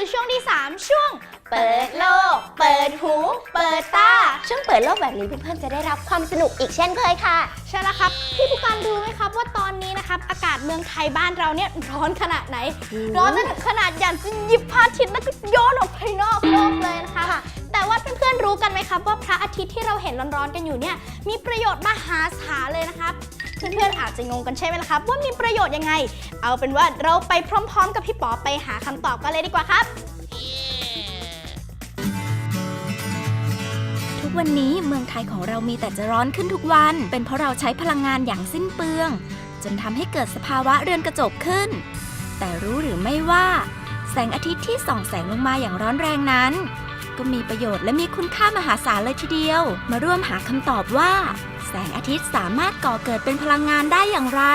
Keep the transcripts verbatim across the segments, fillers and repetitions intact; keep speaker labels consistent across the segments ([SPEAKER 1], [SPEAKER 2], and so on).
[SPEAKER 1] สู่ช่วงที่สามช่วงเปิดโลกเปิดหูเปิดตา
[SPEAKER 2] ช่วงเปิดโลกแบบนี้เพื่อนๆจะได้รับความสนุกอีกเช่นเคยค่ะ
[SPEAKER 1] ใช่แล้วครับพี่ผู้การรู้ไหมครับว่าตอนนี้นะครับอากาศเมืองไทยบ้านเราเนี่ยร้อนขนาดไหนร้อนจนถึงขนาดอยากจะหยิบพระอาทิตย์แล้วก็โยนออกไปนอกโลกเลยนะคะแต่ว่าเพื่อนๆรู้กันไหมครับว่าพระอาทิตย์ที่เราเห็นร้อนๆกันอยู่เนี่ยมีประโยชน์มหาศาลเลยนะครับเพื่อนๆอาจจะงงกันใช่ไหมล่ะครับว่ามีประโยชน์ยังไงเอาเป็นว่าเราไปพร้อมๆกับพี่ป๋อไปหาคำตอบกันเลยดีกว่าครับ
[SPEAKER 3] ทุกวันนี้เมืองไทยของเรามีแต่จะร้อนขึ้นทุกวันเป็นเพราะเราใช้พลังงานอย่างสิ้นเปลืองจนทำให้เกิดสภาวะเรือนกระจกขึ้นแต่รู้หรือไม่ว่าแสงอาทิตย์ที่ส่องแสงลงมาอย่างร้อนแรงนั้นก็มีประโยชน์และมีคุณค่ามหาศาลเลยทีเดียวมาร่วมหาคำตอบว่าแสงอาทิตย์สามารถก่อเกิดเป็นพลังงานได้อย่างไร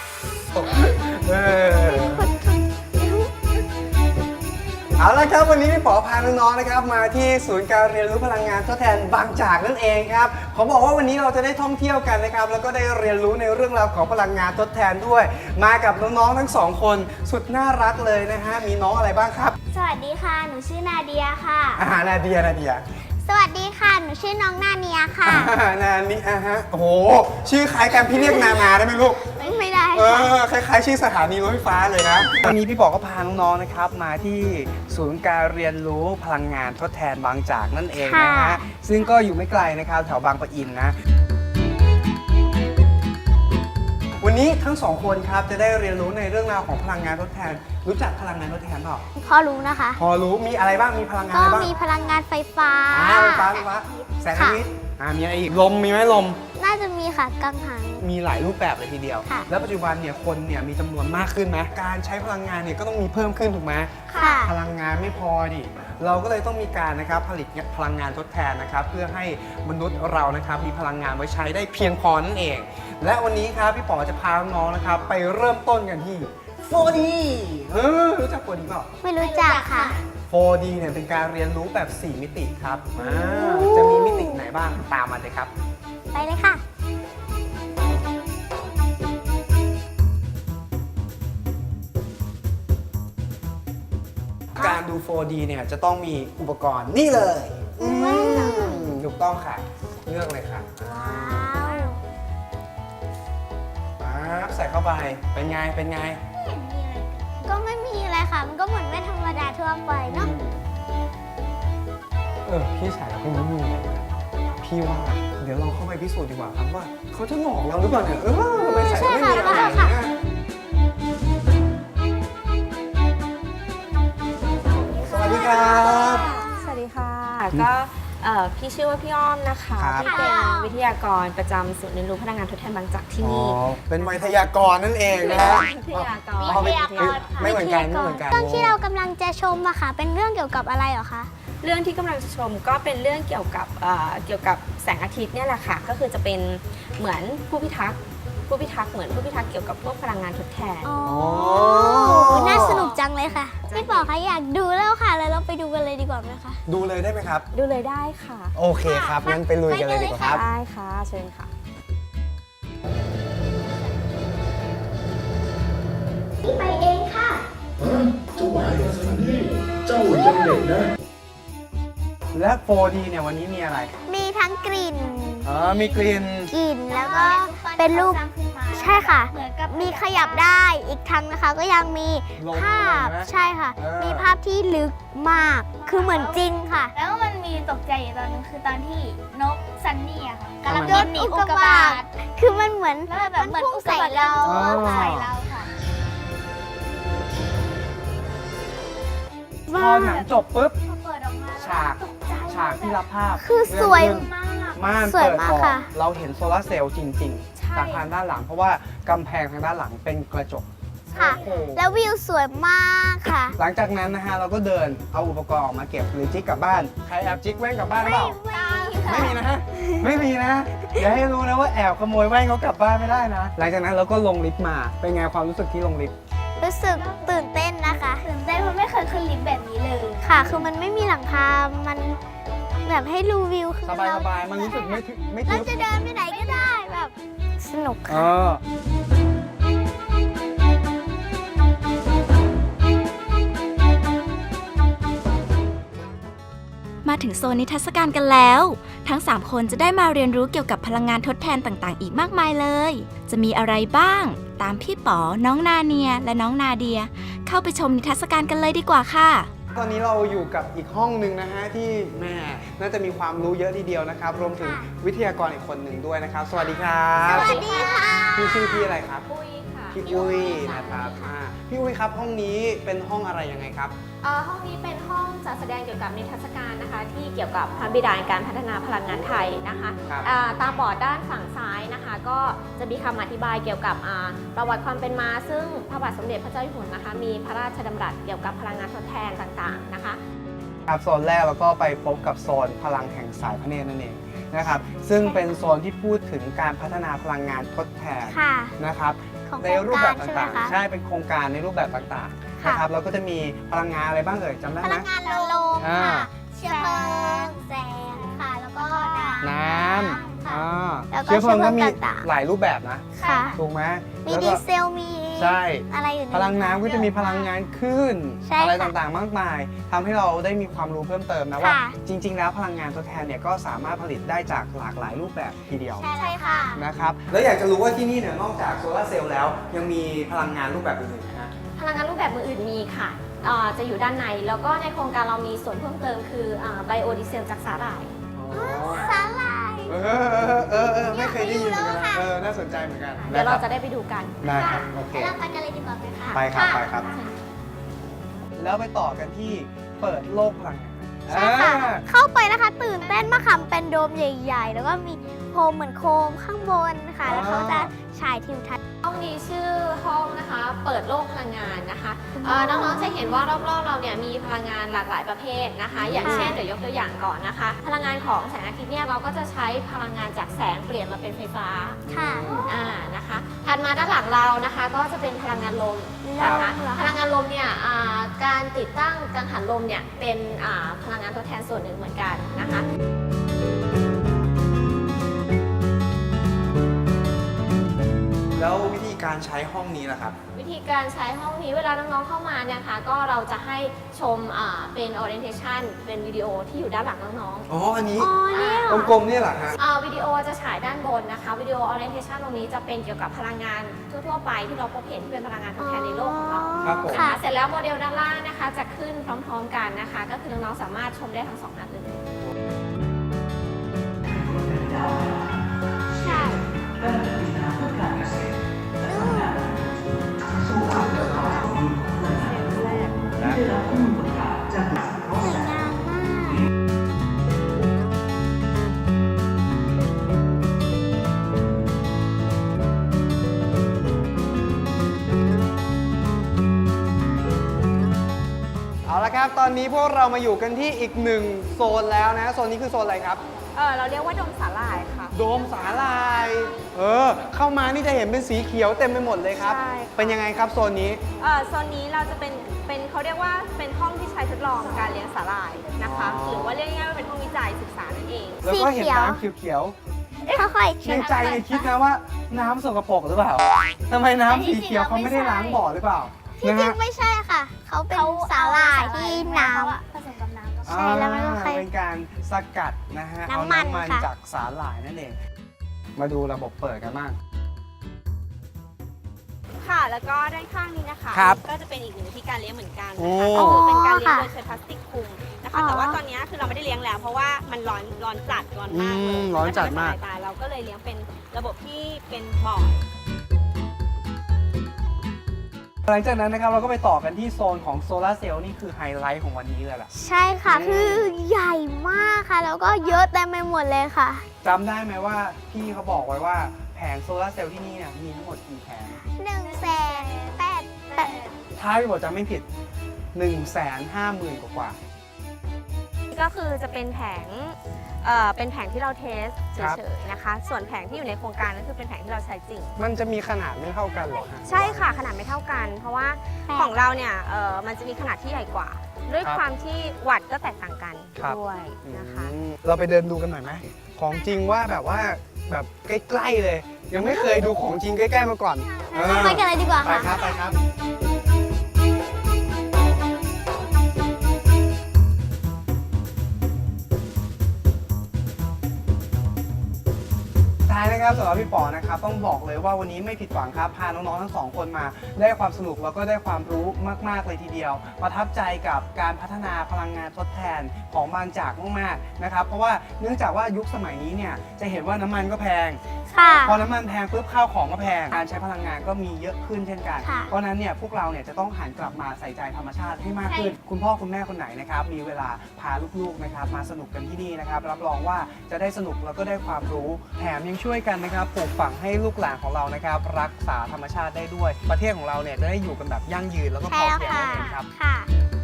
[SPEAKER 4] เอาละครับวันนี้พี่ป๋อพาน้องๆนะครับมาที่ศูนย์การเรียนรู้พลังงานทดแทนบางจากนั่นเองครับขอบอกว่าวันนี้เราจะได้ท่องเที่ยวกันนะครับแล้วก็ได้เรียนรู้ในเรื่องราวของพลังงานทดแทนด้วยมากับน้องๆทั้งสองคนสุดน่ารักเลยนะฮะมีน้องอะไรบ้างครับ
[SPEAKER 2] สวัสดีค่ะหนูชื่อนาเดียค่ะ
[SPEAKER 4] อ่านาเดียนาเดีย
[SPEAKER 2] สวัสดีค่ะหนูชื่อน้องนาเนียค่ะ
[SPEAKER 4] นานี่อ่ะฮะโอ้โหชื่อคล้ายกันพี่เรียกนานาได้ไหมลูก
[SPEAKER 2] ไม่ได้
[SPEAKER 4] เออคล้ายๆชื่อสถานีรถไฟฟ้าเลยนะวันนี้พี่ป๋อก็พาน้องๆนะครับมาที่ศูนย์การเรียนรู้พลังงานทดแทนบางจากนั่นเองนะฮะซึ่งก็อยู่ไม่ไกลนะครับแถวบางปะอินนะวันนี้ทั้งสองคนครับจะได้เรียนรู้ในเรื่องราวของพลังงานทดแทนรู้จักพลังงานทดแทนเปล่า
[SPEAKER 2] พอรู้นะคะ
[SPEAKER 4] พอรู้มีอะไรบ้างมีพลังงานอะไรบ้าง
[SPEAKER 2] ก็มีพลังงานไฟฟ้า
[SPEAKER 4] ไฟฟ้าไฟฟ้าแสงอาทิตย์อ่ามีอะไรอีกลมมีไหมลม
[SPEAKER 2] น่าจะมีค่ะกังหัน
[SPEAKER 4] มีหลายรูปแบบเลยทีเดียวแล้วปัจจุบันเนี่ยคนเนี่ยมีจำนวนมากขึ้นไหมการใช้พลังงานเนี่ยก็ต้องมีเพิ่มขึ้นถูกไหม
[SPEAKER 2] ค่ะ
[SPEAKER 4] พลังงานไม่พอดิเราก็เลยต้องมีการนะครับผลิตพลังงานทดแทนนะครับเพื่อให้มนุษย์เรานะครับมีพลังงานไว้ใช้ได้เพียงพอนั่นเองและวันนี้ครับพี่ป๋อจะพาน้องนะครับไปเริ่มต้นกันที่ โฟร์ ดี เออรู้จัก โฟร์ ดี เปล่า
[SPEAKER 2] ไม่รู้จักค่ะ
[SPEAKER 4] โฟร์ ดี เนี่ยเป็นการเรียนรู้แบบสี่มิติครับจะมีมิติไหนบ้างตามมาเลยครับ
[SPEAKER 2] ไปเลยค่ะ
[SPEAKER 4] การดู โฟร์ ดี เนี่ยจะต้องมีอุปกรณ์นี่เลยถูกต้องค่ะเลือกเลยค่ะปั๊บใส่เข้าไปเป็นไงเป็นไง
[SPEAKER 2] ก็ไม่มีอะไรค่ะมันก็เหมือนแว่นธรรมดาทั่วไปเนาะ
[SPEAKER 4] เออพี่ใส่แล้วพี่ไม่มีอะไรพี่ว่าเดี๋ยวเราเข้าไปพิสูจน์ดีกว่าครับว่าเขาจะหลอกเราหรือเปล่าเนี่ยเออทำไมใส่ไม่มีอะไรเนี่ยสวัสดีครับ
[SPEAKER 5] สวัสดีค่ะก็พี่ชื่อว่าพี่อ้อมนะคะที่เป็นวิทยากรประจำศูนย์เรียนรู้พลังงานทดแทนบางจากที่นี่
[SPEAKER 4] เป็นวิทยากรนั่นเองนะ
[SPEAKER 5] วิทยากร
[SPEAKER 2] วิทยากร
[SPEAKER 4] ไม่เหมือนกันไม่เหมือนกัน
[SPEAKER 2] เรื่องที่เรากำลังจะชมอะค่ะเป็นเรื่องเกี่ยวกับอะไรเหรอคะ
[SPEAKER 5] เรื่องที่กำลังจะชมก็เป็นเรื่องเกี่ยวกับเกี่ยวกับแสงอาทิตย์เนี่ยแหละค่ะก็คือจะเป็นเหมือนผู้พิทักษ์ผู้พิทักษ์เหมือนผู้พิทักษ์เกี่ยวกับพวกพลังงานทดแทน
[SPEAKER 2] อ๋อน่าสนุกจังเลยค่ะพี่ป๋อคะอยากดูแล้วค่ะแล้วเราไปดูกันเลยดีกว่าไหมคะ
[SPEAKER 4] ดูเลยได้ไหมครับ
[SPEAKER 5] ดูเลยได้ค่ะ
[SPEAKER 4] โอเคครับงั้นไปลุยกันเลยดีกว่าครับ
[SPEAKER 5] ได้ค่ะเชิญค่ะ
[SPEAKER 2] ไปเองค่ะ
[SPEAKER 6] เจ้าไหวกับซันนี่เจ้ายังเด็กนะ
[SPEAKER 4] และ โฟร์ ดี เนี่ยวันนี้มีอะไร
[SPEAKER 2] มีทั้งกลิ่น
[SPEAKER 4] อ๋อมีกลิ่น
[SPEAKER 2] กลิ่นแล้วก็เป็นรูปใช่ค่ะมีขยับได้อีกทั้งนะคะก็ยังมีภาพใช่ค่ะมีภาพที่ลึกมากคือเหมือนจริงค่ะ
[SPEAKER 1] แล้วมันมีตกใจอยู่ตอนนึงคือตอนที่นกซันนี่อะค่ะกำลัง
[SPEAKER 2] โดนอุกกาบาตคือมันเหมือน
[SPEAKER 1] มันพุ่งใส่เราใส่เราค่ะ
[SPEAKER 4] พอหนังจบปุ๊บฉากฉากที่รับภาพ
[SPEAKER 2] คือสวย
[SPEAKER 4] ม่านเปิดออกเราเห็นโซลาร์เซลล์จริงๆจากทางด้านหลังเพราะว่ากำแพงทางด้านหลังเป็นกระจก
[SPEAKER 2] ค่ะแล้ววิวสวยมากค่ะ
[SPEAKER 4] หลังจากนั้นนะฮะเราก็เดินเอาอุปกรณ์ออกมาเก็บหรือจิ๊กกลับบ้านใครแอบจิ๊กแว่นกลับบ้านหรือเปล่าไม่มีนะฮะไม่มีนะอย่าให้รู้นะว่าแอบขโมยแว่นเขากลับบ้านไม่ได้นะหลังจากนั้นเราก็ลงลิฟต์มาเป็นไงความรู้สึกที่ลงลิฟต์
[SPEAKER 2] รู้สึกตื่นเต้นนะคะ
[SPEAKER 1] ตื่นเต้นเพราะไม่เคยขึ้นลิฟต์แบบนี้เลย
[SPEAKER 2] ค่ะคือมันไม่มีหลังคามันแบบให้ดูวิว
[SPEAKER 4] สบายสบายมันรู้สึกไม่ไม่
[SPEAKER 2] เราจะเดินไปไหนก็ได้แบบสนุกค่ะ
[SPEAKER 3] ถึงโซนนิทรรศการกันแล้ว ทั้งสามคนจะได้มาเรียนรู้เกี่ยวกับพลังงานทดแทนต่างๆ อีกมากมายเลย จะมีอะไรบ้าง ตามพี่ป๋อ น้องนาเนีย และน้องนาเดีย เข้าไปชมนิทรรศการกันเลยดีกว่าค่ะ
[SPEAKER 4] ตอนนี้เราอยู่กับอีกห้องหนึ่งนะฮะที่แม่น่าจะมีความรู้เยอะทีเดียวนะครับ รวมถึงวิทยากรอีกคนหนึ่งด้วยนะครับ สวัสดีครับ
[SPEAKER 2] สวัสดีค่ะ
[SPEAKER 4] พี่ชื่อพี่อะไรครับ
[SPEAKER 5] ปุ้ยค่ะ
[SPEAKER 4] พี่อุ้ยนะครับอ่าพี่อุ้ยครับห้องนี้เป็นห้องอะไรยังไงครับ
[SPEAKER 5] เอ่อห้องนี้เป็นห้องจัดแสดงเกี่ยวกับนิทรรศการนะคะ ที่เกี่ยวกับพระบิดาแห่งการพัฒนาพลังงานไทยนะคะ
[SPEAKER 4] ครับ
[SPEAKER 5] อ่าตามบอร์ดด้านฝั่งซ้ายนะคะ ก็จะมีคำอธิบายเกี่ยวกับอ่าประวัติความเป็นมา ซึ่งพระบาทสมเด็จพระเจ้าอยู่หัวนะคะ มีพระราชดำรัสเกี่ยวกับพลังงานทดแทนต่างๆนะคะ
[SPEAKER 4] ครับโซนแรกเราก็ไปพบกับโซนพลังแห่งสายพระเนตรนั่นเองนะครับซึ่งเป็นโซนที่พูดถึงการพัฒนาพลังงานทดแทน
[SPEAKER 2] ค่ะ
[SPEAKER 4] นะครับ
[SPEAKER 2] ของ
[SPEAKER 4] ในรูปแบบ
[SPEAKER 2] โครงการใช่ไหม
[SPEAKER 4] ต่าง
[SPEAKER 2] คะ
[SPEAKER 4] ๆ ใช่เป็นโครงการในรูปแบบต่างๆ
[SPEAKER 2] ค่ะ
[SPEAKER 4] นะครับแล้วก็จะมีพลังงานอะไรบ้างเอ่ยจำได้
[SPEAKER 2] พ
[SPEAKER 4] ไหม
[SPEAKER 2] ลังงานลม
[SPEAKER 4] อ่า
[SPEAKER 2] ค่ะ เชื้อเพลิง แสงค่ะ แล้วก็น้ำ
[SPEAKER 4] น้ำ
[SPEAKER 2] ค่ะ
[SPEAKER 4] อ่า
[SPEAKER 2] แล้วก็
[SPEAKER 4] เชื้อเพลิงก็มี
[SPEAKER 2] เชื้อเพลิงต่างๆ
[SPEAKER 4] หลายรูปแบบนะ
[SPEAKER 2] ค่ะ
[SPEAKER 4] ถูกไหม
[SPEAKER 2] มี
[SPEAKER 4] แล้ว
[SPEAKER 2] ดี
[SPEAKER 4] ก็
[SPEAKER 2] เซล มี
[SPEAKER 4] ใช่
[SPEAKER 2] อะไรอยู่ใน
[SPEAKER 4] พลังน้ำก็จะมีพลังงานคลื่น
[SPEAKER 2] ใช่
[SPEAKER 4] อะไร
[SPEAKER 2] ค่ะ
[SPEAKER 4] ต่างๆ มากมายทำให้เราได้มีความรู้เพิ่มเติมนะว่า
[SPEAKER 2] ค่ะ
[SPEAKER 4] จริง ๆ แล้วพลังงานทดแทนเนี่ยก็สามารถผลิตได้จากหลากหลายรูปแบบทีเดียว
[SPEAKER 2] ใช่ค่ะ
[SPEAKER 4] นะครับแล้วอยากจะรู้ว่าที่นี่เนี่ยนอกจากโซลาร์เซลล์แล้วยังมีพลังงานรูปแบบอื่นๆนะฮะ
[SPEAKER 5] พลังงานรูปแบบมืออื่นมีค่ะเอ่อจะอยู่ด้านใน แล้วก็ในโครงการเรามีส่วนเพิ่มเติมคือไบโอดีเซลจากสาหร่าย
[SPEAKER 2] สาหร่าย
[SPEAKER 4] เออเออเออเออไม่เคยได้ยินเหมือนกัน
[SPEAKER 2] อยากไปดูแล้วค่ะ
[SPEAKER 4] เออน่าสนใจเหมือนกัน
[SPEAKER 5] เดี๋ยวเรา
[SPEAKER 4] นค
[SPEAKER 5] จะ
[SPEAKER 4] บ
[SPEAKER 5] ได้ไปดูกัน
[SPEAKER 4] ได้ครับโอเค
[SPEAKER 2] เราไปกันเลยดีกว่าค่ะ
[SPEAKER 4] ไปครับไปครับ แล้วไปต่อกันที่เปิดโลกพลังงาน
[SPEAKER 2] ใช่ค่ะ
[SPEAKER 4] อ่า
[SPEAKER 2] เข้าไปนะคะ ตื่นเต้นมากค่ะเป็นโดมใหญ่ ๆ แล้วก็มีโคมเหมือนโคมข้างบนค่ะ แล้วเขาจะฉายทิวทัศน์
[SPEAKER 5] ห้องนี้ชื่อห้องนะคะ เปิดโลกพลังงานนะคะเอ่อน้องๆจะเห็นว่ารอบๆเราเนี่ยมีพลังงานหลากหลายประเภทนะคะ อย่างเช่นเดี๋ยวยกตัวอย่างก่อนนะคะ พลังงานของแสงอาทิตย์เนี่ยเราก็จะใช้พลังงานจากแสงเปลี่ยนมาเป็นไฟฟ้า
[SPEAKER 2] ค่ะ
[SPEAKER 5] อ่านะคะถัดมาด้านหลังเรานะคะก็จะเป็นพลังงานลมนะคะ
[SPEAKER 2] ลมเหรอคะ
[SPEAKER 5] พลังงานลมเนี่ยอ่าการติดตั้งกังหันลมเนี่ยเป็นอ่าพลังงานทดแทนส่วนหนึ่งเหมือนกันนะคะ
[SPEAKER 4] แล้ววิธีการใช้ห้องนี้ล่ะครับ
[SPEAKER 5] วิธีการใช้ห้องนี้เวลาน้องๆเข้ามาเนี่ยค่ะก็เราจะให้ชมอ่าเป็น orientation เป็นวิดีโอที่อยู่ด้านหลังน้อง
[SPEAKER 4] อ๋ออันนี้
[SPEAKER 2] อ๋อเนี่ยเหรอ
[SPEAKER 4] กลมๆเนี่ยเหรอฮะ
[SPEAKER 5] ๆอ่าวิดีโอจะฉายด้านบนนะคะวิดีโอ orientation ตรงนี้จะเป็นเกี่ยวกับพลังงานทั่วๆไปที่เราพบเห็นที่เป็นพลังงานทดแทนในโลกของเรา
[SPEAKER 4] ครับผม
[SPEAKER 2] ค่ะ
[SPEAKER 5] เสร็จแล้วโมเดลด้านล่างนะคะจะขึ้นพร้อมๆกันนะคะ ก็คือน้องๆสามารถชมได้ทั้งสองนัดเลย
[SPEAKER 2] ใช่สวยงามมาก
[SPEAKER 4] เอาละครับ ตอนนี้พวกเรามาอยู่กันที่อีกหนึ่งโซนแล้วนะ โซนนี้คือโซนอะไรครับ
[SPEAKER 5] เออเราเรียกว่าดมสาหร่ายค่ะ
[SPEAKER 4] โดมสาลาย เออ เข้ามานี่จะเห็นเป็นสีเขียวเต็มไปหมดเลยครับ
[SPEAKER 7] ใช่ค่ะ
[SPEAKER 4] เป็นยังไงครับโซนนี้
[SPEAKER 7] เอ่อโซนนี้เราจะเป็นเป็นเขาเรียกว่าเป็นห้องที่ใช้ทดลองการเลี้ยงสาหร่ายนะคะ
[SPEAKER 4] อ๋อ
[SPEAKER 7] หรือว่าเรียกง่ายๆว่าเป็นห้องวิจัยศึกษานั่นเอง
[SPEAKER 4] แล้วก็เห็น
[SPEAKER 2] สีเขียว
[SPEAKER 4] น้ำเขียว
[SPEAKER 2] ค่อยๆ
[SPEAKER 4] ๆ
[SPEAKER 2] ชิ
[SPEAKER 4] ใน
[SPEAKER 2] ม
[SPEAKER 4] ใจเนี่ยคิดนะว่าน้ำสกปรกหรือเปล่าทำไมน้ำสีเขียวเขาไม่ได้ล้างบ่อหรือเปล่า
[SPEAKER 2] ที่
[SPEAKER 4] นะ
[SPEAKER 2] จริ
[SPEAKER 4] ฮะ
[SPEAKER 2] งไม่ใช่ค่ะ เขาเป็นสาหร่ายที่น้ำผสมกับน้ำใช่แล้วมันก็
[SPEAKER 4] อ่า
[SPEAKER 2] ค่อย
[SPEAKER 4] เป็นการสกัดนะฮะ เอา
[SPEAKER 2] น้ำมัน
[SPEAKER 4] น้ำมัน
[SPEAKER 2] ค่ะ
[SPEAKER 4] จากสาหร่ายนั่นเอง มาดูระบบเปิดกันบ้าง
[SPEAKER 7] ค่ะ แล้วก็ด้านข้างนี้นะคะ
[SPEAKER 4] ครับ
[SPEAKER 7] ก็จะเป็นอีกหนึ่งวิธีการเลี้ยงเหมือนกัน
[SPEAKER 4] โอ้
[SPEAKER 7] นะคะก็คือเป็นการเลี้ยง
[SPEAKER 2] ค่ะ
[SPEAKER 7] โดยใช้พลาสติกคลุมนะ
[SPEAKER 2] อ๋
[SPEAKER 7] คะ
[SPEAKER 2] อ
[SPEAKER 7] แต่ว่าตอนนี้คือเราไม่ได้เลี้ยงแล้วเพราะว่ามันร้อนร้อนจัดร้อนมากเล
[SPEAKER 4] อื
[SPEAKER 7] ย
[SPEAKER 4] มร้อนจัดมาก
[SPEAKER 7] นทำให้สบยตเราก็เลยเลี้ยงเป็นระบบที่เป็นบ่อ
[SPEAKER 4] หลังจากนั้นนะครับเราก็ไปต่อกันที่โซนของโซลาร์เซลล์นี่คือไฮไลท์ของวันนี้เลยล่ะ
[SPEAKER 2] ใช่ค่ะ
[SPEAKER 4] อืม
[SPEAKER 2] คือใหญ่มากค่ะ แล้วก็เยอะเต็มไปหมดเลยค่ะ
[SPEAKER 4] จำได้ไหมว่าพี่เขาบอกไว้ว่าแผงโซลาร์เซลล์ที่นี่เนี่ยมีทั้งหมดกี่แผง
[SPEAKER 2] หนึ่งแสนแปดแปด
[SPEAKER 4] ถ้าพี่บอกจำไม่ผิด 1 5 0 0 0 0 กว่า
[SPEAKER 7] ก็คือจะเป็นแผงเอ่อเป็นแผงที่เราเทสเฉ
[SPEAKER 4] ครับ
[SPEAKER 7] ยๆนะคะ ส่วนแผงที่อยู่ในโครงการนั่นคือเป็นแผงที่เราใช้จริง
[SPEAKER 4] ๆมันจะมีขนาดไม่เท่ากันเหรอฮะ
[SPEAKER 7] ใช่ค่ะขนาดไม่เท่ากัน เพราะว่าของเราเนี่ยเอ่อมันจะมีขนาดที่ใหญ่กว่า ด้วย
[SPEAKER 4] ครับ
[SPEAKER 7] ความที่วัตต์ก็แตกต่างกัน
[SPEAKER 4] ครับ
[SPEAKER 7] ด้วยนะคะ
[SPEAKER 4] อืมเราไปเดินดูกันหน่อยไหม ของจริงว่าแบบว่าแบบใกล้ๆเลย ยังไม่เคยดูของจริงใกล้ๆมาก่อนเออ
[SPEAKER 2] ไปกันเลยดีกว่า
[SPEAKER 4] ไป
[SPEAKER 2] ค่ะ
[SPEAKER 4] ครับไปครับนะครับสำหรับพี่ป๋อนะครับต้องบอกเลยว่าวันนี้ไม่ผิดหวังครับพาน้องๆทั้งสองคนมาได้ความสนุกแล้วก็ได้ความรู้มากๆเลยทีเดียวประทับใจกับการพัฒนาพลังงานทดแทนของบางจากมากๆนะครับเพราะว่าเนื่องจากว่ายุคสมัยนี้เนี่ยจะเห็นว่าน้ำมันก็แพง
[SPEAKER 2] ค่ะ
[SPEAKER 4] พอน้ำมันแพงปุ๊บข้าวของก็แพงการใช้พลังงานก็มีเยอะขึ้นเช่นกัน
[SPEAKER 2] ค่ะ
[SPEAKER 4] เพราะฉะนั้นเนี่ยพวกเราเนี่ยจะต้องหันกลับมาใส่ใจธรรมชาติให้มากขึ้น คุณพ่อคุณแม่คนไหนนะครับมีเวลาพาลูกๆนะครับมาสนุกกันที่นี่นะครับรับรองว่าจะได้สนุกแล้วก็ได้ความรู้แถมยังช่วยกันนะครับปลูกฝังให้ลูกหลานของเรานะครับรักษาธรรมชาติได้ด้วย ประเทศของเราเนี่ยจะได้อยู่กันแบบยั่งยืนแล้วก็พ
[SPEAKER 2] ใช่
[SPEAKER 4] อ
[SPEAKER 2] แล้ว
[SPEAKER 4] เพียง
[SPEAKER 2] ค่ะ
[SPEAKER 4] นั่นเองครับ
[SPEAKER 2] ค่ะ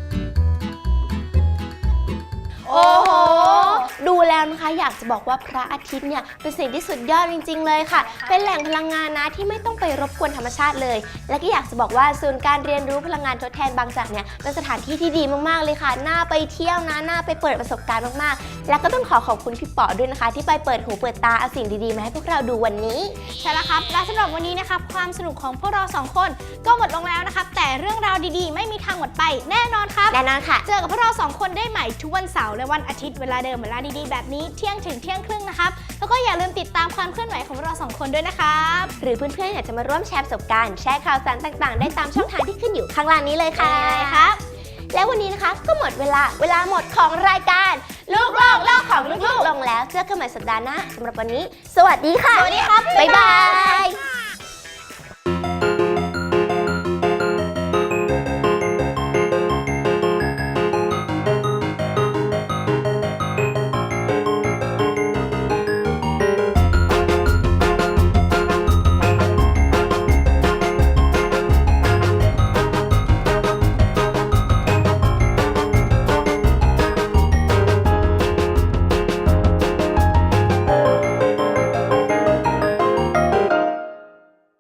[SPEAKER 1] โอ้โห ดูแล้วนะคะอยากจะบอกว่าพระอาทิตย์เนี่ยเป็นสิ่งที่สุดยอดจริงๆเลยค่ะ เป็นแหล่งพลังงานนะที่ไม่ต้องไปรบกวนธรรมชาติเลย และก็อยากจะบอกว่าศูนย์การเรียนรู้พลังงานทดแทนบางจากเนี่ยเป็นสถานที่ที่ดีมากๆเลยค่ะ น่าไปเที่ยวนะ น่าไปเปิดประสบการณ์มากๆ แล้วก็ต้องขอขอบคุณพี่ป๋อด้วยนะคะ ที่ไปเปิดหูเปิดตาเอาสิ่งดีๆมาให้พวกเราดูวันนี้ใช่แล้วครับและสำหรับวันนี้นะครับความสนุกของพวกเราสองคนก็หมดลงแล้วนะครับแต่เรื่องราวดีๆ ไม่มีทางหมดไปแน่นอนครับ
[SPEAKER 2] แน่นอนค่ะ
[SPEAKER 1] เจอกับพวกเราสองคนได้ใหม่ทุกวันเสาร์และวันอาทิตย์เวลาเดิมเวลาดีๆแบบนี้เที่ยงถึงเที่ยงครึ่งนะครับแล้วก็อย่าลืมติดตามความเคลื่อนไหวของพวกเราสองคนด้วยนะครับ
[SPEAKER 2] หรือเพื่อนๆอยากจะมาร่วมแชร์ประสบการณ์แชร์ข่าวสารต่างๆ ได้ตามช่องทางที่ขึ้นอยู่ข้างล่างนี้เลยค่ะ
[SPEAKER 1] ครับ
[SPEAKER 2] แล้ววันนี้นะคะก็หมดเวลาเวลาหมดของรายการลูกโลกโลกของลูกๆลงแล้วเจอกันใหม่สัปดาห์หน้าสำหรับวันนี้ สวัสดีค่ะ
[SPEAKER 1] สวัสดีครับ
[SPEAKER 2] บ๊ายบาย